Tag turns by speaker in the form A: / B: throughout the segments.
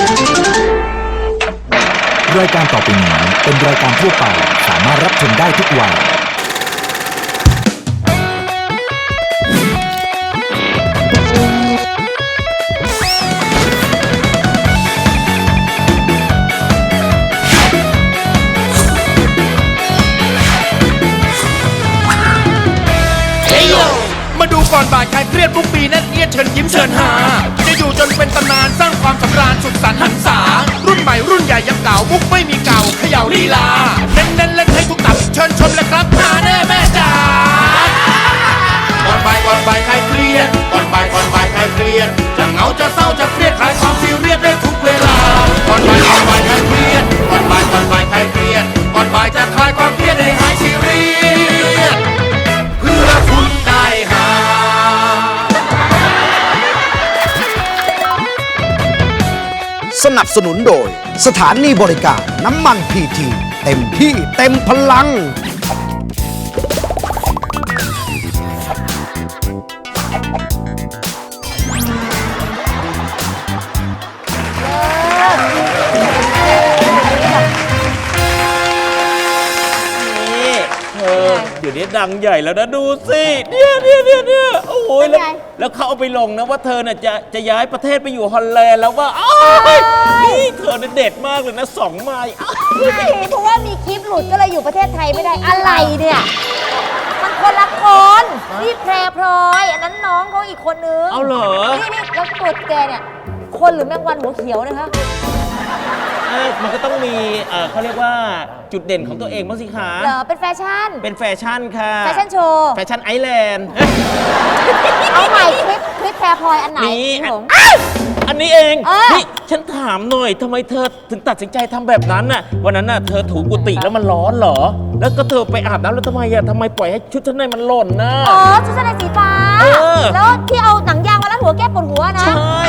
A: รายการต่อไปนี้เป็นรายการทั่วไปสามารถรับชมได้ทุกวัย
B: มาดูก่อนบ่ายใครเครียดทุกปีนั่นเอียดเชิญยิ้มเชิญหาจะอยู่จนเป็นตำนานสร้างความสำราญสุดสันต์หันษารุ่นใหม่รุ่นใหญ่ยังเก่ามุกไม่มีเก่าเขย่าลีลาเน้นเล่นให้ทุกตับเชิญชมเลยครับหาแน่แม่จ๋าก่อนบ่ายใครเครียดก่อนบ่ายใครเครียดจะเหงาจะเศร้าจะเครียดคลายความซีเรียสได้ทุกเวลาก่อนบ่ายใครเครียดก่อนบ่ายใครเครียดก่อนบ่ายจะคลายความเครียดให้หายซีเรียสเพื่อคุณได้หา
C: สนับสนุนโดยสถานีบริการน้ำมันพีทีเต็มที่เต็มพลัง
D: เดี๋ยวนี้ดังใหญ่แล้วนะดูสิเนี่ยโอ้โหแล้วเขาเอาไปลงนะว่าเธอน่ะจะย้ายประเทศไปอยู่ฮอลแลนด์แล้วว่านี่เธอเนี่ยเด็ดมากเลยนะ2 ไมล์
E: ใช่เพราะว่ามีคลิปหลุดก็เลยอยู่ประเทศไทยไม่ได้อะไรเนี่ยมันคนละคนนี่แพรพลอยอันนั้นน้องเขาอีกคนนึง
D: เอาเหรอ
E: นี่แล้วตัวแกเนี่ยคนหรือแมงวันหัวเขียวนะคะ
D: มันก็ต้องมีเขาเรียกว่าจุดเด่นของตัวเองบ้างสิคะ
E: เหรอเป็นแฟชั่น
D: เป็นแฟชั่นค่ะ
E: แฟชั่นโชว์
D: แฟชั่นไอแลนด์
E: เอาใหม่คลิปแพรพลอยอันไหน
D: นี่อันนี้เองนี่ฉันถามหน่อยทำไมเธอถึงตัดสินใจทำแบบนั้นน่ะวันนั้นน่ะเธอถูกุฏิแล้วมันร้อนเหรอแล้วก็เธอไปอาบน้ำแล้วทำไมปล่อยให้ชุดชั้นในมันหล่นน่ะ
E: อ๋อชุดชั้นในสีฟ้าแล้วที่เอาหนังยางมาลัดหัวแก้ปวดหัวนะ
D: ใช่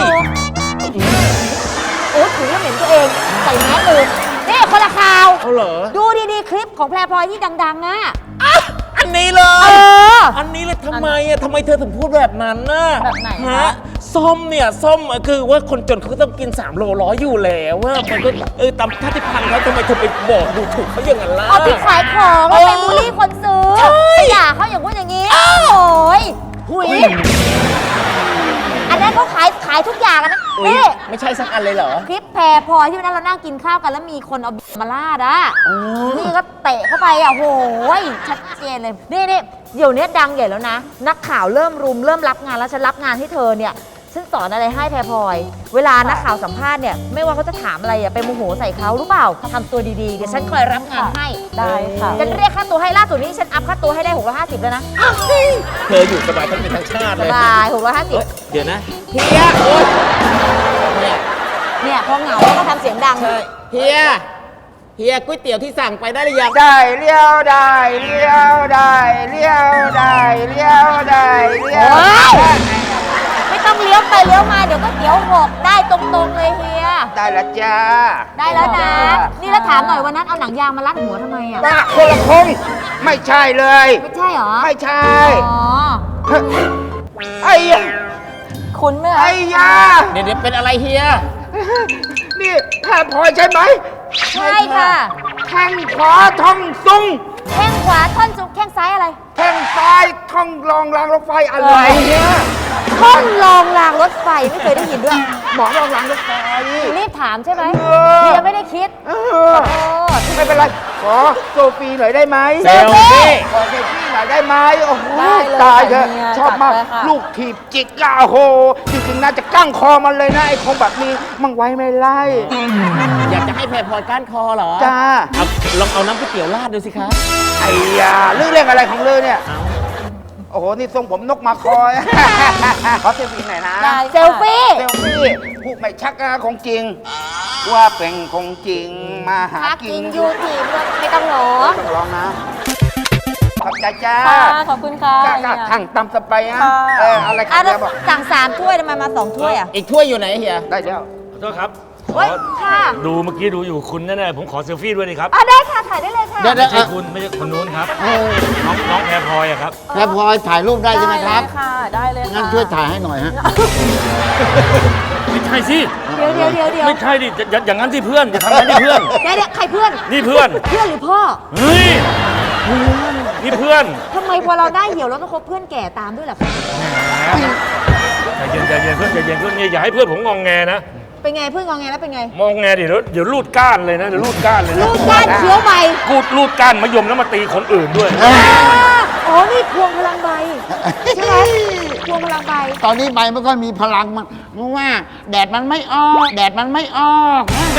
E: โอ้ถือแล้วเหม็นตัวเองใส่แมสเลยนี่คนละข่าว
D: เอาเหรอ
E: ดูดีๆคลิปของแพรพลอยที่ดังๆอ่ะ
D: อันนี้เลยอันนี้เลยทำไมเธอถึงพูดแบบนั้นน่ะ
E: แบบไหน
D: ฮะส้มคือว่าคนจนเขาต้องกิน3 โลร้อยอยู่แล้วว่ามันก็ตามชาติพันธุ์เขาทำไมเธอไปบอกดูถูกเขาอย่างนั้นล่ะ
E: เอาที่ขายของแล้วไปบูลลี่คนซื้ออย่าเขาอย่างพูดอย่างนี้โอ้ยหุยอันนั้นเขาขายทุกอย่างนะ
D: นี่ไม่ใช่สักอันเลยเหรอ
E: คลิปแพรพลอยที่วันนั้นเรานั่งกินข้าวกันแล้วมีคนเอามาลาดอ่ะนี่ก็เตะเข้าไปอ่ะโหยชัดเจนเลยนี่เดี๋ยวนี้ดังใหญ่แล้วนะนักข่าวเริ่มรับงานแล้วฉันรับงานให้เธอเนี่ยฉันสอนอะไรให้แพรพลอยเวลานักข่าวสัมภาษณ์เนี่ยไม่ว่าเขาจะถามอะไรไปโมโหใส่เขารู้เปล่าทำตัวดีๆเดี๋ยวฉันคอยรับงานให้
F: ได้ค่ะ
E: ฉันเรียกค่าตัวให้ล่าสุดนี้ฉันอัพค่าตัวให้ได้650แล้วนะ
D: เธออยู่สบายทั้งเป็นทั้งชาติเลย
E: สบาย650
D: เดี๋ยวนะ
E: เฮียเนี่ยพอเหงาก็ทำเสียงดัง
D: เฮียก๋วยเตี๋ยวที่สั่งไปได้หรือยัง
C: ได้เลี้ยวได้เลี้ยวได้เลี้ยวได้เลี้ยวได้เลี้ยว
E: ไม่ต้องเลี้ยวไปเลี้ยวมาเดี๋ยวก็เดี๋ยวหกได้ตรงๆเลยเฮีย
C: ได้แล้วจ้า
E: ได้แล้วนะนี่แล้วถามหน่อยวันนั้นเอาหนังยางมารัดหัวทำไมอ่ะ
C: คนละคงไม่ใช่เลย
E: ไม่ใช่หรอ
C: ไม่ใช่
E: อ๋อ
C: ไอ้
E: คุณไหม
C: ไอ้ยา
D: เดี๋ยวเป็นอะไรเฮีย
C: นี่แพรพลอยใช่ไหม
E: ใช่ค่ะ
C: แข้งขวาท่องซุง
E: แข้งขวาท่อนซุงแข้งซ้ายอะไร
C: แข้งซ้ายท่องรองรางรถไฟอะไรเนี่ย
E: ท่อนรองรางรถไฟไม่เคยได้ยินด้วย
C: หมอรองรางรถไฟ
E: รีบถามใช่ไหมพี่ยังไม่ได้คิด
C: ไม่เป็นไรขอโซฟีหน่อยได้ไหม
D: เซลฟี่
C: ขอเซลฟี่หน่อยได้ไหมโอ้โหตายเถอะชอบมากลูกถีบจิกก้าโหจริงๆน่าจะกั้งคอมันเลยนะไอ้คงแบบนี้มั่งไว้ไม่ไล่
D: อยากจะให้แพรพลอยก้านคอเหรอ
C: จ้า
D: ลองเอาน้ำก๋วยเตี๋ยวราดดูสิครับ
C: ไอ้ยาเรื่องอะไรของเรื่องเนี่ยโอ้โหนี่ทรงผมนกมาคอยขอเซลฟี่หน่อยนะ
E: เซลฟี่
C: พูดไม่ชักนะของจริงว่าเป็นของจริงมาหากิน
E: ยูทีไม่ต้องร้
C: องนะขอบใจจ้า
E: ขอบคุณค่ะ
C: ทางตำสไปนะอะไรครับบอก
E: สั่ง3 ถ้วยทำไมมา2 ถ้วยอ่ะ
D: อีกถ้วยอยู่ไหนเฮีย
C: ได้แล้ว
F: ขอโทษครับ
E: ค่ะ
F: ดูเมื่อกี้ดูอยู่คุณแน่ๆผมขอเซลฟี่ด้วยนี่ครับ
E: ได้ค่ะถ่ายได้เลยค่ะ
F: ไม่ใช่คุณไม่ใช่คนนู้นครับน้องแพรพลอยครับ
C: แพรพลอยถ่ายรูปได้ใช่ไหมครับ
E: ค่ะได้เลย
C: งั้นช่วยถ่ายให้หน่อยฮะ
F: ไม่ใช่สิ
E: เดี๋ยว
F: ไม่ใช่ดิอย่างนั้นที่เพื่อนจะทำอย่างนั้นที่เพื่อน
E: เดี๋ยวใครเพื่อน
F: นี่เพื่อน
E: เพื่อนหรือพ่อ
F: เฮ้ยนี่เพื่อน
E: ทำไมพอเราได้เหี่ยวเราต้องคบเพื่อนแก่ตามด้วยล่ะคะ
F: ใจเย็นเพื่อนใจเย็นเพื่อนอย่าให้เพื่อนผมงองแงนะ
E: เป็นไงเพื่อนงอแงแล้วเป็นไง
F: มองแงเดี๋ยวรูดก้านเลยนะเดี๋ยวรูดก้านเลยนะ
E: ลูกก้านเคี้ยวใบ
F: กูดรูดก้านมะยมแล้วมาตีคนอื่นด้วย
E: อ๋อนี่พวงพลังใบใช่ไหมพวงพลังใบ
C: ตอนนี้ใบไม่ค่อยมีพลังมันเพราะว่าแดดมันไม่ออก แดดมันไม่ออก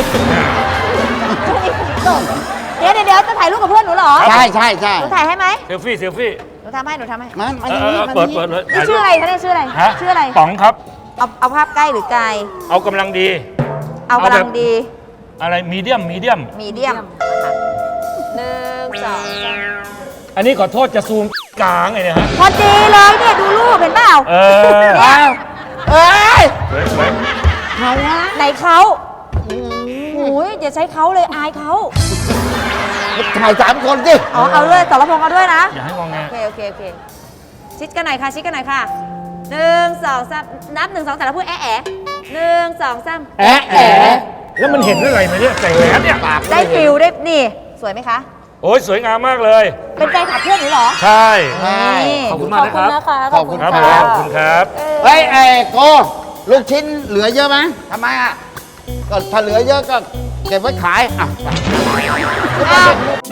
E: เดี๋ยวจะถ่ายรูปกับเพื่อนหนูเหรอ
C: ใช่
E: หนูถ่ายให้ไหม
F: เซลฟี่
E: หนูทำให้
C: มัน
F: เปิดเลย
E: นี่ชื่ออะไรคะเนี่ยชื่ออะไร
F: ฮะ
E: ชื่ออะไร
F: ป๋องครับ
E: เอาภาพใกล้หรือไกล
F: เอากำลังดี
E: เอากำลังดี
F: อะไรมีเดียม
E: มีเดียม1 2 3
F: อันนี้ขอโทษจะซูมกลางไงเนี่ยฮะ
E: พอดีเลยเนี่ยดูรูปเห็นเปล่า
C: อ้าวเอ้ย
F: สวย
C: เขาวะ
E: ไหนเขาโอ้ยอย่าใช้เขาเลยอายเขา
C: ถ่าย3 คนสิ
E: อ๋อเอาด้วยสรพงษ์เอาด้วยนะ
F: อย่าให้งองแง
E: โอเคชิดกันหน่อยค่ะชิดกันหน่อยค่ะ1 2 3นับ1 2 3แล้วพูด1 2 3
C: แอะแอะ
F: แล้วมันเห็นอะไรไหมเนี่ยใส่แหวนเนี่ย
E: ได้ฟิลได้นี่สวยไหมคะ
F: โอ้ยสวยงามมากเลย
E: เป็นใจขับเพื่อนหนูเหรอ
F: ใช่
E: นี่
F: ขอบคุณมากนะครับ
E: ขอบคุณ
F: ครับ
E: นะคะ
F: ขอบคุณครับ
C: เฮ้ยโกลูกชิ้นเหลือเยอะไหมทำไมอ่ะก็ถ้าเหลือเยอะก็เก็บไว้ขายอ่ะ
E: อ้าว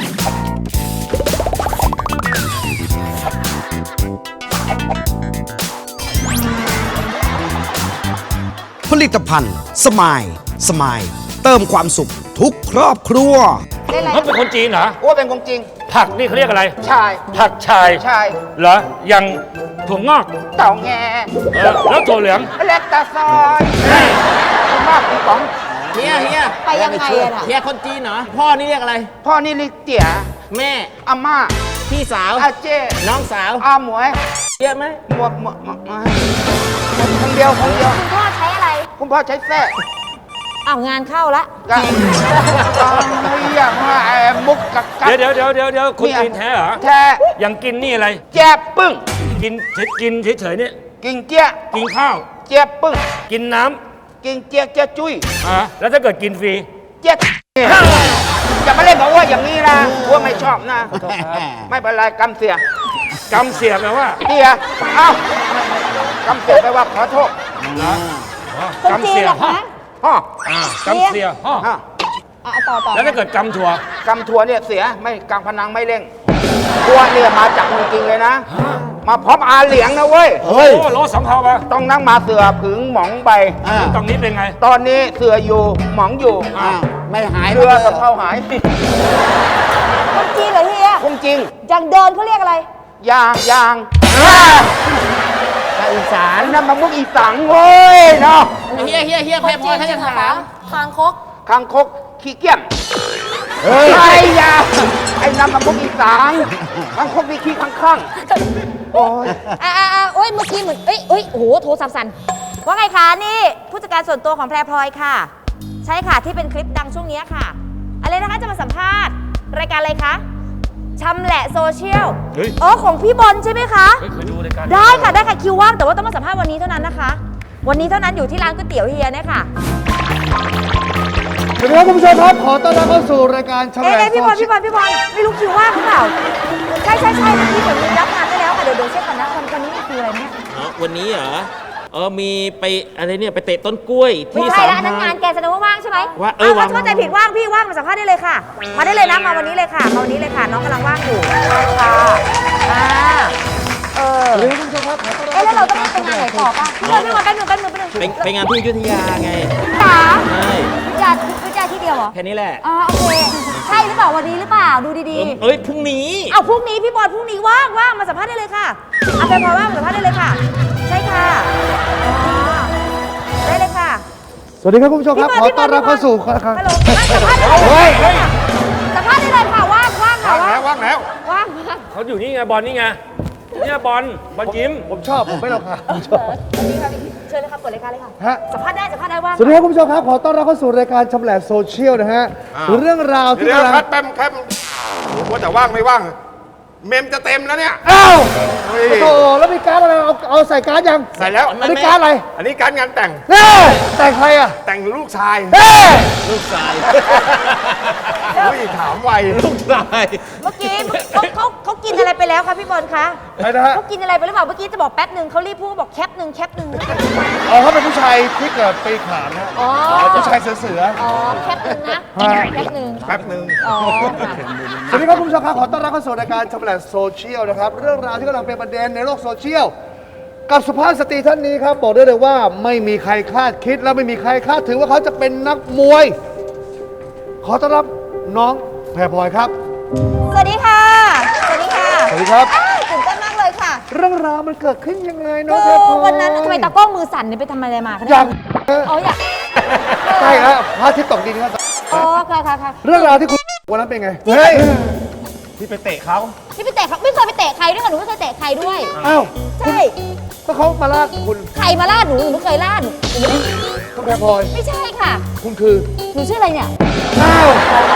G: ผลิตภัณฑ์สมายเติมความสุขทุกครอบครัว
E: ได้อะไร
F: เขาเป็นคนจีนเหรอ
C: อ้วเป็นของจริง
F: ผักนี่เขาเรียกอะไร
C: ชาย
F: ผักชาย
C: ชาย
F: เหรอ อย่างถั่วงอก
C: เต่าแง
F: แล้วถั่วเหลือง
C: เล็กตาซอยคุณมากคุณป๋อง
D: เฮีย
E: ไปยังไงอะน่ะ
D: เฮียคนจีนเหรอ พ่อนี่เรียกอะไร
C: พ่อนี่ลิเตี๋ย
D: แม่
C: อาม่า
D: พี่สาว
C: อาเจ้
D: น้องสาว
C: อาหมวย
D: เยอะไหม
C: หมวกคนเดียว
E: คุณพ่อใช้อะไร
C: คุณพ่อใช้แท้
E: อ้าวงานเข้าละ
C: ก็อย่างว่ามุกกับกั
F: เดี๋ยวคนจีนแท้เหรอ
C: แท้
F: อย่างกินนี่อะไร
C: แจ๊บปึ้ง
F: กินเฉยๆเนี่ย
C: กินเจี๊ย
F: กินข้าว
C: เจี๊ยบปึ้ง
F: กินน้
C: กินเจี๊ยเจี๊ยจุ้ย
F: ำแล้วถ้าเกิดกินฟรี
C: เจี๊ยเนี่ยอย่ามาเล่นกับอ้ว่าอย่างนี้นะอ้ว่าไม่ชอบนะ ไม่เป็นไรกำเสีย
F: กำเสียบแปลว่า
C: เสียเอ้ากำเสียไปลว่าขอโทษ
E: คนจีนเหรอคะ
C: ฮ่อก
F: ำเสียห่อ
C: ฮ่อ
E: ต่อ
F: แล้วถ้าเกิดกำถั่ว
C: กำทัวเนี่ยเสียไม่กำพนังไม่เร่งทัวเนี่ยมาจากเมืองจริงเลยนะ มาพร้อมอาเหลียงนะเว้ย
F: โอ้โลสองเท่าปะ
C: ต้องนั่งมาเสือผึงหมองใบ
F: ตรงนี้เป็นไง
C: ตอนนี้เสืออยู่หมองอยู่
G: ไม่หาย
C: เรือกับเขาหาย
E: คนจีนเหรอเฮีย
C: คงจริง
E: อย่างเดินเขาเรียกอะไร
C: ยาง
G: อีสาน
C: นั่นมันมุกอีสังเว้ยเนาะ
D: เฮียแพรพลอยเขาจะถาม
E: คางคก
C: คางคกขี้เกียจไอ้ยาไอ้นั่นมันมุกอีสังคางคกมีขี้ข้างๆโอ้ย
E: โอ้ยเมื่อกี้เหมือนโอ้โหโทรศัพท์สั่นว่าไงคะนี่ผู้จัดการส่วนตัวของแพรพลอยค่ะ ใช่ค่ะที่เป็นคลิปดังช่วงนี้ค่ะ อะไรนะคะจะมาสัมภาษณ์รายการอะไรคะชำแหละโซเชียล
F: เฮ้ย
E: อ๋อของพี่บอลใช่ไหมคะ
F: เคยดูรายการ
E: ได้ค่ะคิวว่างแต่ว่าต้องมาสัมภาษณ์วันนี้เท่านั้นนะคะ วันนี้เท่านั้นอยู่ที่ร้านก๋วยเตี๋ยวเฮียเนี่ยค่ะ
H: สวัสดีครับคุณผู้ชมครับ ขอต้อนรับเข้าสู่รายการชำแหละ
E: พี่บอลไม่รู้คิวว่างหรือเปล่าใช่พี่เหมือนมีรับงานได้แล้วค่ะเดี๋ยวเช็คก่อนนะวันนี้คืออะไรเนี่ย
D: วันนี้เหรอ มีไปอะไรเนี่ยไปเตะต้นกล้วย
E: ไม่
D: ที่
E: ใช่
D: สาม
E: แล้วอันนั้น
D: พราน
E: งานแกแสดงว่าว่างใช่ไหม
D: ว่า
E: ว่าง
D: ว่าง
E: เข้าใจผิดว่างพี่ว่างมาสัมภาษณ์ได้เลยค่ะ มาได้เลยนะมาวันนี้เลยค่ะมาวันนี้เลยค่ะ น้องกำลังว่างอยู่ใช่ค่ะแล้วเราต้องไปงานไหนต่อป่ะพี่บอลแป๊บนึง
D: ไปงานที่อยุธยาไง
E: จ๋า
D: ใช่
E: วิจารที่เดียวเหรอ
D: แค่นี้แหละ
E: อ๋อโอเคใช่หรือเปล่าวันนี้หรือเปล่าดูดี
D: เอ้ยพรุ่งนี้
E: ๆเอาพรุ่งนี้พี่บอลพรุ่งนี้ว่างมาสัมภาษณ์ได้เลยค่ะเอาไปพอว่างมาสัมภาษณ์ได้เลยค่ะ ใช่ค่ะได้เลยค่ะ
H: สวัสดีครับคุณผู้ชมครับ ขอต้อนรับเข้าสู่
E: ฮัลโหลสัมภาษณ์ได้เลยสัมภาษณ์ได้เลยค่ะว่างค่ะ
F: ว่างแล้ว
E: ว่าง
F: เขาอยู่นี่ไงบอลนี่ไงเนี่ยบอลยิ้ม
H: ผมชอบ ผมไม่หรอกค่ะผมชอบ
E: นี่ค่ะเชิญเลยครับเปิดรายการเลยค่ะ
H: ฮะ
E: สัมภาษณ์ได้ว่าง
H: สวัสดีครับคุณผู้ชมครับ ขอต้อนรับเข้าสู่รายการชำแหละโซเชียลนะฮะ เรื่องราวที่
I: เดี๋ยว
H: กำลัง
I: แป๊บว่าแต่ว่างไม่ว่าง
C: เมมจะเต็มแล้วเนี่ย
H: อ้าว
C: เฮ้ย
H: โอ้โหแล้วมีการ์ดอะไรเอาใส่การ์ดยัง
C: ใส่แล้ว
H: อันนี้การ์ดอะไร
C: อันนี้การงานแต่ง
H: เน่แต่งใครอ่ะ
C: แต่งลูกชาย
H: เฮ้
D: ลูกชาย
C: อุ้ยถามไว
D: ลูกชาย
E: เมื่อกี้เขากินอะไรไปแล้วคะพี่บอลคะ
H: ใครนะฮะ
E: เขากินอะไรไปหรือเปล่าเมื่อกี้จะบอกแป๊บหนึ่งเขารีบพูดบอกแคปหนึ่ง
H: อ๋อเขาเป็นผู้ชายที่เกิดปีขานนะ
E: อ๋อ
H: ผู้ชายเสือ
E: อ๋อแคปหนึ่งนะ
H: ฮะ
E: แคปหนึ่ง
C: แป๊บหนึ่ง
E: อ๋อค่ะ
H: สวัสดีครับคุณผู้ชมครับขอต้อนรับเข้าสู่รายการชำแหละโซเชียลนะครับเรื่องราวที่กำลังเป็นประเด็นในโลกโซเชียลกับสุภาพสตรีท่านนี้ครับบอกได้เลยว่าไม่มีใครคาดคิดและไม่มีใครคาดถึงว่าเขาจะเป็นนักมวย ขอต้อนรับน้องแพรพลอยครับ
E: สวัสดีค่ะ สวัสดีค่ะ
H: สวัสดีครับ
E: อ้าวตื่นเต้นมากเลยค่ะ
H: เรื่องราวมันเกิดขึ้นยังไงน้อง
E: คื
H: แพร
E: อ
H: พลอย
E: วันนั้นทำไมตากล้องมือสั่นเนี่ยไปทำอะไรมาคะ
H: อ
E: เนี่ย
H: ยาก
E: อ๋ออยาก
H: ใช่ครับพระอาทิตย์ตกดินครับ
E: อ๋อค่ะค่ะค่ะ
H: เรื่องราวที่คุณวันนั้นเป็นไงเฮ้ย
C: ที่ไปเตะเขา
E: ที่ไปเตะเขาไม่เคยไปเตะใครด้วยค่ะหนูไม่เคยเตะใครด้วย
H: อ้าว
E: ใช่
H: ก็เขามาลาดคุณ
E: ใครมาล่าหนูไม่เคยล่าหนู
H: คุณแพรพลอย
E: ไม่ใช่ค่ะ
H: คุณคือ
E: หนูชื่ออะไรเนี่ย
H: อ้าว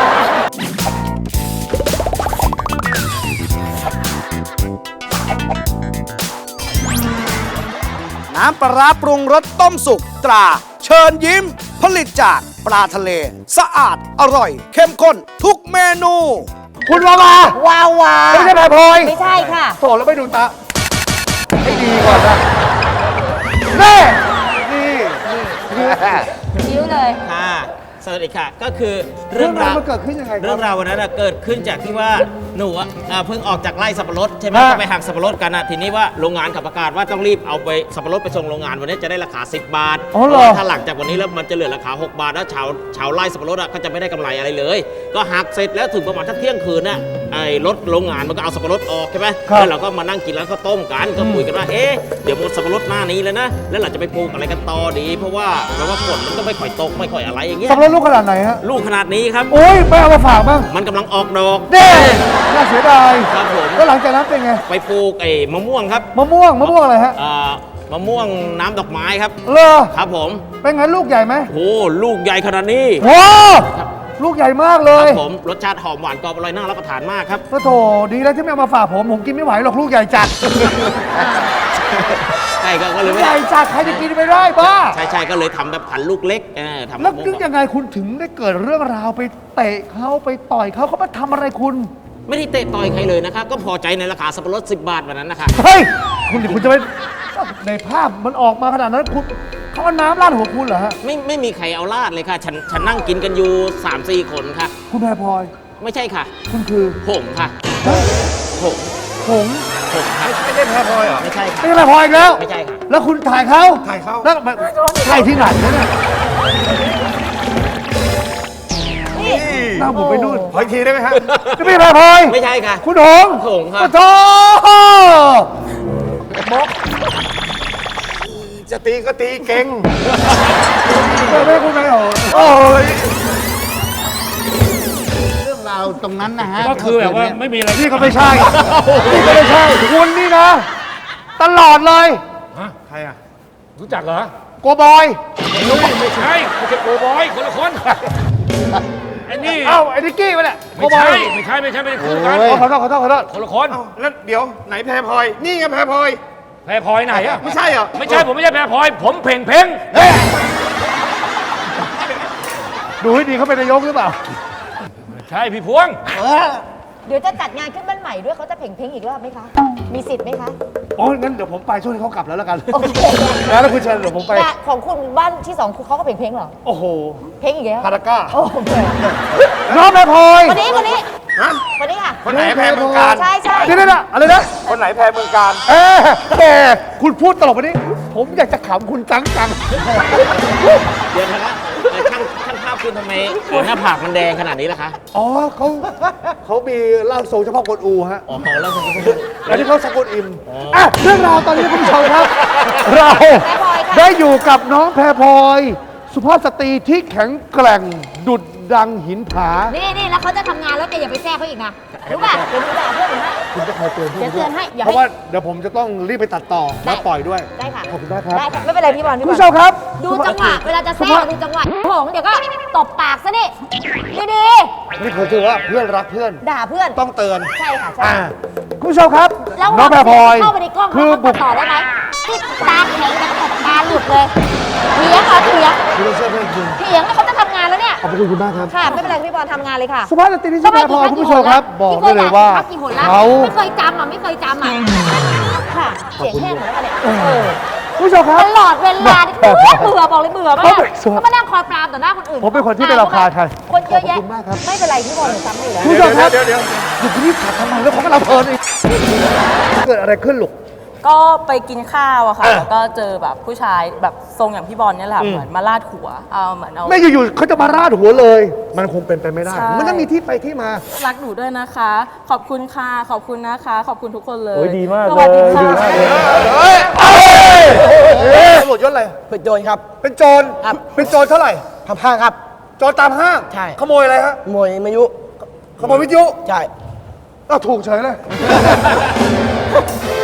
G: น้ำปลาร้าปรุงรสต้มสุกตรา เชิญยิ้ม ผลิตจากปลาทะเล สะอาดอร่อย เข้มข้นทุกเมนู
H: คุณวาวาว
E: าวา
H: ไม่ใช่แพรพลอย
E: ไม่ใช่ค่ะ
H: โถแล้วไม่ดูตาให้ดีก่อนนะแน่นี่
E: คิ้วเลย
D: ค่ะ สวัสดีค่ะ ก็คือ
H: เรื่องราวมันเกิดขึ้นยังไงค
D: เรื่
H: รั
D: อบ งราววันนั้นน่ะเกิดขึ้นจากที่ว่าหนูอะเพิ่งออกจากไร่สับปะรดใช่ไหม
H: ฮะ
D: ก็ไปหักสับปะรดกันนะทีนี้ว่าโรงงานขับประกาศว่าต้องรีบเอาไปสับปะรดไปส่งโรงงานวันนี้จะได้ราคา 10 บาท
H: อ๋อเหรอ
D: พราะว่าถ้าหลังจากวันนี้แล้วมันจะเหลือราคา 6 บาทแล้วชาวไร่สับปะรดอะก็จะไม่ได้กำไรอะไรเลย ก็หักเสร็จแล้วถึงประมาณสักเที่ยงคืนน่ะไอ้รถโรงงานมันก็เอาสับปะรดออกใช่ไหมแล้วเราก็มานั่งกินร้านข้าวต้มกันก็คุยกันว่าเอ๊ะเดี๋ยวหมดสับปะรดหน้านี้แล้วนะแล้วเราจะไปปลูกอะไรกันต่อดี เพราะว่าฝนมันก็ไม่ค่อยตกไม่ค่อยอะไรอย่างเงี้ย
H: สับปะรดลูกขนาดไหนฮะ
D: ลูกขนาดนี้ครับ
H: โอ้ยไม่เอามาฝากบ้าง
D: มันกำลังออกดอก
H: เด้น่าเสียดาย
D: ครับผม
H: แล้วหลังจากนั้นเป็นไง
D: ไปปลูกไอ้มะม่วงครับ
H: มะม่วงอะไรฮะ
D: มะม่วงน้ำดอกไม้ครับ
H: เลอ
D: ครับผม
H: เป็นไงลูกใหญ่ไหม
D: โอ้ลูกใหญ่ขนาดนี้
H: โอ้ลูกใหญ่มากเล
D: ค
H: ย
D: รับผมรสชาติหอมหวานกรอบอร่อยน่ารับประทานมากครับ
H: ก็โถดีแล้วที่ไม่เอามาฝากผมกินไม่ไหวหรอกลูกใหญ่จัด
D: ใช่ก็เลยไม่
H: ใหญ่จัดใครจะกินไม่ได้บ้า
D: ใช่ก็เลยทำแบบผันลูกเล็กทำ
H: แล้ว
D: มะม่
H: นึก
D: วง
H: ยังไงคุณถึงได้เกิดเรื่องราวไปเตะเขาไปต่อยเขามาทำอะไรคุณ
D: ไม่ได้เตะต่อยใครเลยนะครับก็พอใจในราคาสับปะรด10 บาทวันนั้นนะคะ
H: เฮ้ย คุณจะไปในภาพมันออกมาขนาดนั้นคุณเขาเอาน้ำราดหัวคุณเหรอฮะ
D: ไม่มีใครเอาลาดเลยค่ะฉันนั่งกินกันอยู่ 3-4 คนค่ะ
H: คุณแพรพลอย
D: ไม่ใช่ค่ะ
H: คุณคือ
D: ผมค่ะผม
H: ผง
D: ผมค่ะ
C: ไม่ได้แพ้พลอยเหรอ
D: ไม่ใช่ค่ะ
H: ไม่ใช่แพรพลอยอีกแล้ว
D: ไม่ใช่ค่ะ
H: แล้วคุณถ่ายเขา
C: ถ่ายเขา
H: แล้วมันใช่ที่ไหนเนี่ยหน้าผมไปนู่น
C: ขออีกทีได้ไหมฮะ
H: จะไม่ใช่แพรพลอย
D: ไม่ใช่ค่ะ
H: คุณหง
D: หงครับ
H: โอ้โห
C: จะตีก็ตีเก่ง
H: ไม่คุณไม่หงโอ้ย
C: เรื่องราวตรงนั้นนะฮะ
F: ก็คือแบบว่าไม่มีอะไร
H: นี่ก็ไม่ใช่นี่ก็ไม่ใช่คุณนี่นะ ตลอดเลย
C: ใครอ่ะ
F: รู้จักเหรอ
H: โกบอย
F: ไม่ใช่ไม่ใช่โกบอยคนละคนไอ้นี่
H: เอ้าไอ้นิกกี้มาเนี่ยโก
F: ไม่
H: บอ
F: ใช่
H: ย
F: ไม่ใช่ไม่ได้คู่กัน
H: ขอโทษ
F: คนละคน
C: แล้วเดี๋ยวไหนแพ้พลอย นี่ไงแพ้พลอย
F: แพรพลอยไหนอะ
C: ไม่ใช่เหรอ
F: ไม่ใช่ผมไม่ใช่แพรพลอย ผมเพ่งเพ่ง
H: ดูให้ดีเขาเป็นนายกหรือเปล่า
F: ใช่พี่พวง
E: เดี๋ยวจะจัดงานขึ้นบ้านใหม่ด้วยเขาจะเพ่งเพ่งอีกรอบไหมคะ มีสิทธิ์ไหมคะ
H: โอ้ยงั้นเดี๋ยวผมไปช่วงที่เขากลับแล้วแล้วกัน
E: โอเค
H: แล้วคุณเชิญเดี๋ยวผมไป
E: แต่ของคุณบ้านที่สองคุณเขาก็เพ่งเพ่งเหรอ
H: โอ้โห
E: เพ่งอีกแล้ว
H: พาราก้า
E: โอ้โห
H: น้องแม่พลอย
E: คนนี้คนนี้
C: ฮะ
E: คนนี้ค่ะ
C: คนไหนแพ้เมืองการ
E: ใช่ใช่
H: นี่นะอะไรนะ
C: คนไหนแพ้เมืองการ
H: แกคุณพูดตลกวันนี้ ผมอยากจะขำคุณจัง
D: เดี๋ยวนะคะช่างภาพคุณทำไมหน้าผากมันแดงขนาดนี้ล่ะคะ
H: อ๋อเขามีร่างทรงเฉพาะกวนอูฮะ
D: อ๋อแล้วคุณ
H: แล้วที่เขาสกุลอิมเรื่องราวตอนนี้คุณผู้ชมครับ เรา
E: แม่พลอยค่ะ
H: ได้อยู่กับน้องแพรพลอย สุภาพสตรีที่แข็งแกร่งดุดดังหินผา
E: นี่แล้วเขาจะทำงานแล้วแกอย่าไปแทรกเขาอีกนะรู้ป่ะเดี๋ยวหนูด่าเพื่อนหนูให้
H: คุณจะคอยเตือนพี่
E: เดี๋ยวเตือนให้อย่า
H: เพราะ
E: ให้
H: ว่าเดี๋ยวผมจะต้องรีบไปตัดต่อและปล่อยด้วย
E: ได้ค่ะ
H: ขอบคุณมากครับ
E: ได้ค่ะไม่เป็นไรพี่บอล
H: คุณผู้ชมครับ
E: ดูจังหวะเวลาจะแทรกดูจังหวะโหงเดี๋ยวก็ตบปากซะนี่ดี
H: นี่เขาถือว่าเพื่อนรักเพื่อน
E: ๆด่าเพื่อน
H: ต้องเตือน
E: ใช่ค่ะใช่
H: คุณผู้ชมครับ
E: แล้ว
H: น้องแพรพลอย
E: เข้าไปในกล้อง
H: คือ
E: เขา
H: บุ
E: ตั
H: ก
E: ดต่อได้ไหมที่ตาแข็งกันตบตาหลุดเลยเถียงเหรอเถียง
H: คุณต้องเชื่อเพื่อนคุณ
E: เถียงแล้วเขาจะทำงานแล้วเนี่ย
H: ขอบคุณมากครับ
E: ค่ะไม่เป็นไรพี่บอลทำงานเลยค่ะ
H: สุภาพสตรีที่ชื่อแพรพลอยคุณผู้ชมครับ บอกได้เลยว่า
E: กี่หนละ
H: เขา
E: ไม่เคยจำอ่ะไม่เคยจำอ่ะค่ะเสียงแห้งหมดแล้วค่ะเนี่ย
H: คุณผู้ชมครับ
E: ตลอดเวลานี่เบื่อบอกเลยเบื่อมาก
H: เขาเป็น
E: เขามานั่งคอยปรามต่อหน้าคนอื่น
H: ผมเป็นคนที่ไม่รำคาญใคร
E: คนเยอะแยะ
H: ขอบคุณมากครับ
E: ไม่เป็นไรพี่บอลหนูจำไม่อยู่แล้ว
H: คุณผู้ชมครับเดี๋ยวอยู่ที่นี่ถามทำไมแล้วเขากำลังเพลินอีกเกิดอะไรขึ้นลูก
I: ก็ไปกินข้าวอะค่ะ แล้วก็เจอแบบผู้ชายแบบทรงอย่างพี่บอลเนี่ยแหละ เหมือนมาลาดหัว เอาเหมือนเอา
H: ไม่อยู่ๆเขาจะมาราดหัวเลย มันคงเป็นไปไม่ได้
I: ใช่
H: มันต้องมีที่ไปที่มา
I: รักหนูด้วยนะคะ ขอบคุณค่ะ ขอบคุณนะคะ ขอบคุณทุกคนเลย
H: โอ้ยดีมาก
I: สวัสดี
H: เลยดีมากเลย
I: ค่ะ
H: ตำรวจยศอะไร
J: เป็นโจรครับ
H: เป็นโจร
J: ครับ
H: เป็นโจรเท่าไหร่
J: ทำห้างครับ
H: โจรตามห้าง
J: ใช่
H: ขโมยอะไรฮะ
J: ขโมยมายุ
H: ขโมยวิทยุ
J: ใช่
H: อ้าวถูกเฉยเลย